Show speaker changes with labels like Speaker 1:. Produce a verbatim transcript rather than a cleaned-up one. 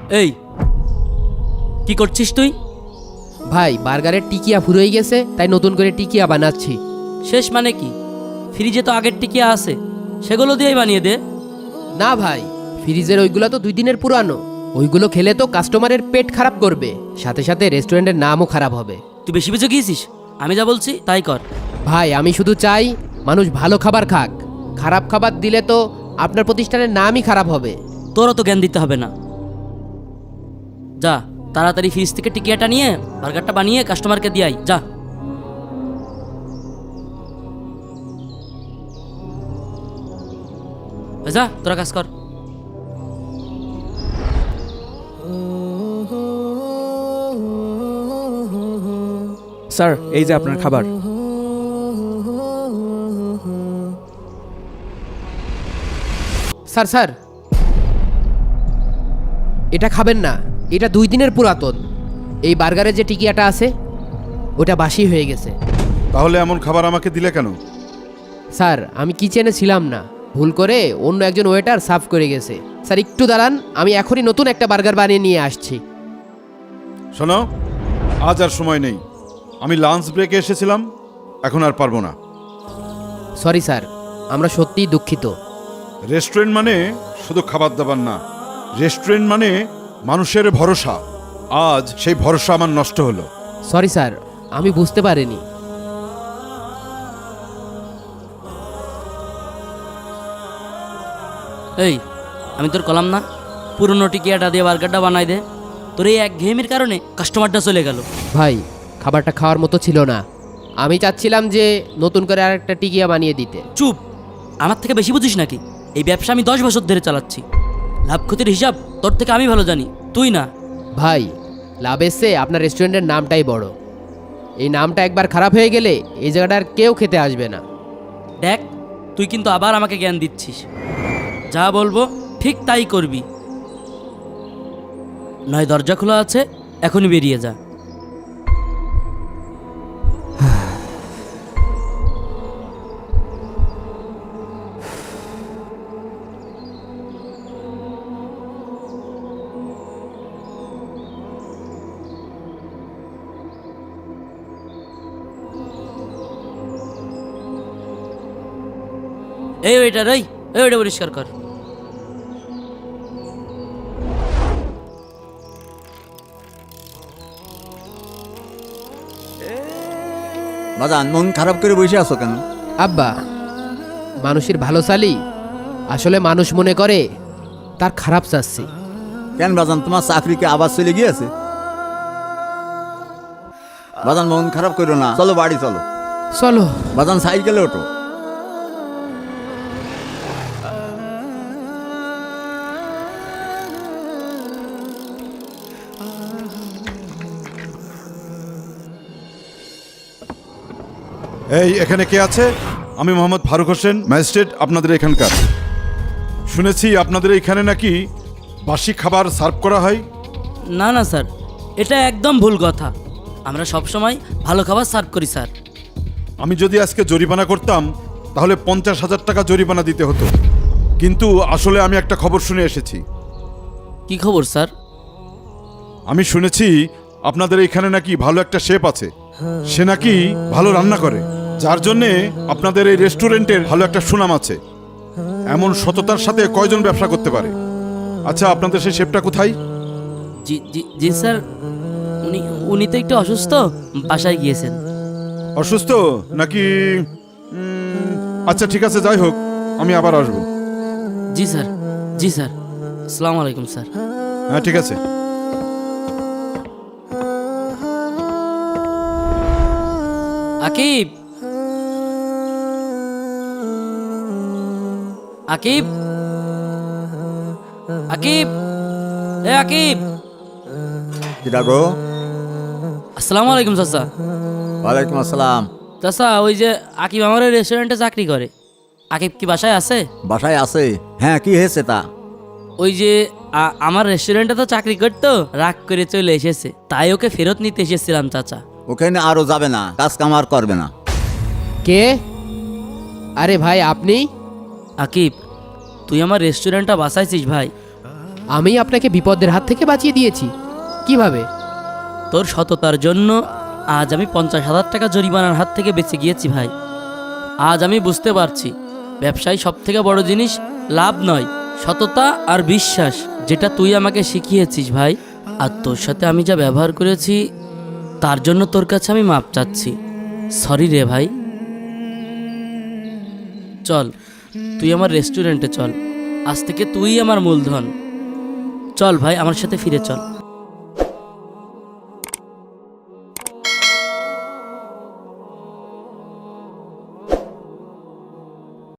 Speaker 1: এই কি করছিস তুই?
Speaker 2: ভাই বার্গারের টিকিয়া ফুরিয়ে গেছে, তাই নতুন করে টিকিয়া বানাচ্ছি।
Speaker 1: শেষ মানে কি? ফ্রিজে তো আগের টিকিয়া আছে, সেগুলো দিয়েই বানিয়ে দে।
Speaker 2: না ভাই, ফ্রিজের ওইগুলো তো দুই দিনের পুরানো। ওইগুলো খেলে তো কাস্টমারের পেট খারাপ করবে, সাথে সাথে রেস্টুরেন্টের নামও খারাপ হবে।
Speaker 1: তুই বেশি বেশি গিয়েছিস, আমি যা বলছি তাই কর।
Speaker 2: ভাই আমি শুধু চাই মানুষ ভালো খাবার খাক, খারাপ খাবার দিলে তো আপনার প্রতিষ্ঠানের নামই খারাপ হবে।
Speaker 1: তোরও তো জ্ঞান দিতে হবে না। যা তাড়াতাড়ি ফ্রিজ থেকে টিকিয়াটা নিয়ে বার্গারটা বানিয়ে কাস্টমারকে দিয়ে আই, যা। যা তোরা কাজ কর।
Speaker 3: স্যার, এই যে আপনার খাবার।
Speaker 2: স্যার স্যার এটা খাবেন না, এটা দুই দিনের পুরাতন। এই বার্গারে যে টিকিয়াটা আছে ওটা বাসি হয়ে গেছে।
Speaker 4: তাহলে এমন খাবার আমাকে দিলে কেন?
Speaker 2: স্যার আমি কিচেনে ছিলাম না, ভুল করে অন্য একজন ওয়েটার সার্ভ করে গেছে। স্যার একটু দাঁড়ান, আমি এখনই নতুন একটা বার্গার বানিয়ে নিয়ে আসছি।
Speaker 4: শোনো, আজ আর সময় নেই। আমি লাঞ্চ ব্রেকে এসেছিলাম, এখন আর পারবো না।
Speaker 2: সরি স্যার, আমরা সত্যিই দুঃখিত।
Speaker 4: রেস্টুরেন্ট মানে শুধু খাবার দাবার না, রেস্টুরেন্ট মানে মানুষের ভরসা। আজ সেই ভরসা আমার নষ্ট হলো।
Speaker 2: সরি স্যার, আমি বুঝতে পারিনি।
Speaker 1: এই আমি তোর কলাম না, পুরনো টিকিয়াটা দিয়ে বার্গারটা বানাই দে। তোর এই এক ঘেমির কারণে কাস্টমারটা চলে গেল।
Speaker 2: ভাই খাবারটা খাওয়ার মতো ছিল না, আমি চাচ্ছিলাম যে নতুন করে আর একটা টিকিয়া বানিয়ে দিতে।
Speaker 1: চুপ, আমার থেকে বেশি বুঝিস নাকি? এই ব্যবসা আমি দশ বছর ধরে চালাচ্ছি, লাভ ক্ষতির হিসাব তোর থেকে আমি ভালো জানি, তুই না।
Speaker 2: ভাই লাভের চেয়ে আপনার রেস্টুরেন্টের নামটাই বড়। এই নামটা একবার খারাপ হয়ে গেলে এই জায়গাটা আর কেউ খেতে আসবে না।
Speaker 1: দেখ তুই কিন্তু আবার আমাকে জ্ঞান দিচ্ছিস। যা বলবো ঠিক তাই করবি, নয় দরজা খোলা আছে, এখনই বেরিয়ে যা। এই ওইটা রই, এই ওইটা পরিষ্কার কর।
Speaker 5: বাজান, মন খারাপ করে বসে আছো কেন?
Speaker 2: আব্বা, মানুষের ভালো চালি আসলে মানুষ মনে করে তার খারাপ চাচ্ছি।
Speaker 5: কেন বাজান, তোমার চাকরিকে আবার চলে গিয়েছে? বাজান মন খারাপ করো না, চলো বাড়ি চলো।
Speaker 2: চলো
Speaker 5: বাজান, সাইকেলে ওঠো।
Speaker 4: এই এখানে কে আছে? আমি মোহাম্মদ ফারুক হোসেন, ম্যাজিস্ট্রেট আপনাদের এখানকার। শুনেছি আপনাদের এখানে নাকি বাসি খাবার সার্ভ করা হয়।
Speaker 1: না না স্যার, এটা একদম ভুল কথা। আমরা সব সময় ভালো খাবার সার্ভ করি স্যার।
Speaker 4: আমি যদি আজকে জরিমানা করতাম তাহলে পঞ্চাশ হাজার টাকা জরিমানা দিতে হতো, কিন্তু আসলে আমি একটা খবর শুনে এসেছি।
Speaker 1: কি খবর স্যার?
Speaker 4: আমি শুনেছি আপনাদের এখানে নাকি ভালো একটা শেফ আছে, সে নাকি ভালো রান্না করে, যার জন্যে আপনাদের এই রেস্টুরেন্টের ভালো একটা সুনাম আছে। এমন সততার সাথে কয়জন ব্যবসা করতে পারে? আচ্ছা, আপনাদের সেই শেফটা কোথায়?
Speaker 1: জি জি জি স্যার, উনি উনি তো একটু অসুস্থ, বাসায় গিয়েছেন।
Speaker 4: অসুস্থ নাকি? উম, আচ্ছা ঠিক আছে, যাই হোক, আমি আবার আসবো।
Speaker 1: জি স্যার, জি স্যার, আসসালামু আলাইকুম স্যার।
Speaker 4: হ্যাঁ ঠিক আছে।
Speaker 1: আকিব, আকিব, আকিব, এ আকিব।
Speaker 5: কিরা গো?
Speaker 1: আসসালামু আলাইকুম চাচা।
Speaker 5: ওয়ালাইকুম আসসালাম।
Speaker 1: চাচা, ওই যে আকিব আমার রেস্টুরেন্টে চাকরি করে, আকিব কি বাসায় আছে?
Speaker 5: বাসায় আছে। হ্যাঁ, কি হয়েছে তা?
Speaker 1: ওই যে আ- আমার রেস্টুরেন্টে তো চাকরি করতো, রাগ করে চলে এসেছে, তাই ওকে ফেরত নিতে এসেছিলাম চাচা।
Speaker 5: ওখানে আরো যাবে না, কাজ কাম আর করবে না।
Speaker 2: কে? আরে ভাই আপনি?
Speaker 1: আকিব, তুই আমার রেস্টুরেন্টটা বাঁচাইছিস ভাই।
Speaker 2: আমি আপনাকে বিপদের হাত থেকে বাঁচিয়ে দিয়েছি। কিভাবে?
Speaker 1: তোর সততার জন্য আজ আমি পঞ্চাশ হাজার টাকা জরিমানার হাত থেকে বেঁচে গিয়েছি ভাই। আজ আমি বুঝতে পারছি ব্যবসায় সব থেকে বড় জিনিস লাভ নয়, সততা আর বিশ্বাস, যেটা তুই আমাকে শিখিয়েছিস ভাই। আর তোর সাথে আমি যা ব্যবহার করেছি তার জন্য তোর কাছে আমি মাপ চাচ্ছি। সরি রে ভাই। চল তুই আমার রেস্টুরেন্টে চল, আজ থেকে তুই আমার মূলধন। চল ভাই আমার সাথে ফিরে চল।